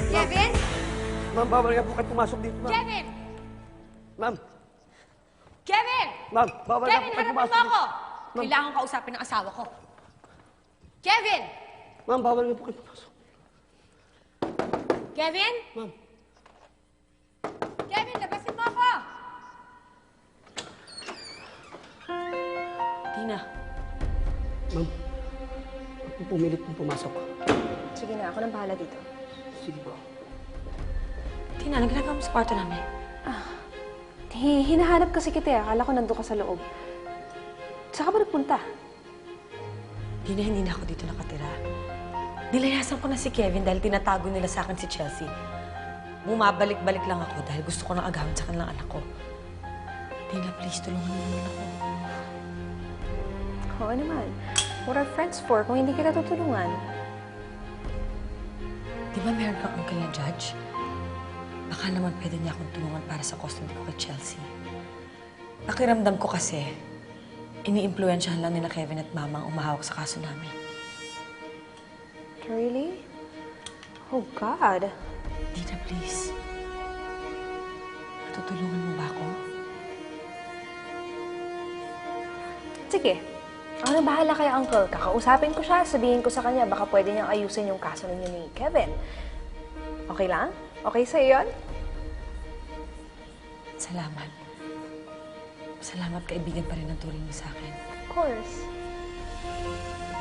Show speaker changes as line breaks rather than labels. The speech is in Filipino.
Kevin?
Ma'am, bawal nga po kayo pumasok dito, ma'am.
Kevin!
Ma'am,
Kevin!
ma'am, bawal nga po
Kevin,
kayo
hanapin
pumasok
mo ako!
Ma'am.
Kailangan kausapin ng asawa ko. Kevin!
Ma'am, bawal nga po kayo pumasok.
Kevin?
Ma'am.
Kevin, labasin mo ako!
Tina.
Ma'am, huwag po pumilit pong pumasok.
Sige na, ako nang bahala dito.
Sige po.
Tina, anong ginagawa mo sa kwarto namin?
Hinahanap kasi kita. Akala ko nandun ka sa loob. Saan ka ba nagpunta?
Tina, hindi na ako dito nakatira. Nilayasan ko na si Kevin dahil tinatago nila sa akin si Chelsea. Bumabalik-balik lang ako dahil gusto ko nang agawin sa kanilang anak ko. Tina, please, tulungan mo naman ako.
Oo naman. What are friends for kung hindi kita tutulungan?
Di ba meron kang uncle na judge? Baka naman pwede niya akong tulungan para sa custody ko kay Chelsea. Pakiramdam ko kasi, ini-impluensyahan lang nila Kevin at Mama ang umahawak sa kaso namin.
Really? Oh, God.
Tina, please. Matutulungan mo ba ako?
Sige. Ako nang bahala kay Uncle. Kakausapin ko siya. Sabihin ko sa kanya baka pwede niyang ayusin yung kaso ninyo ni Kevin. Okay lang? Okay sa'yo yun?
Salamat. Salamat, kaibigan pa rin ang turing mo sa akin.
Of course.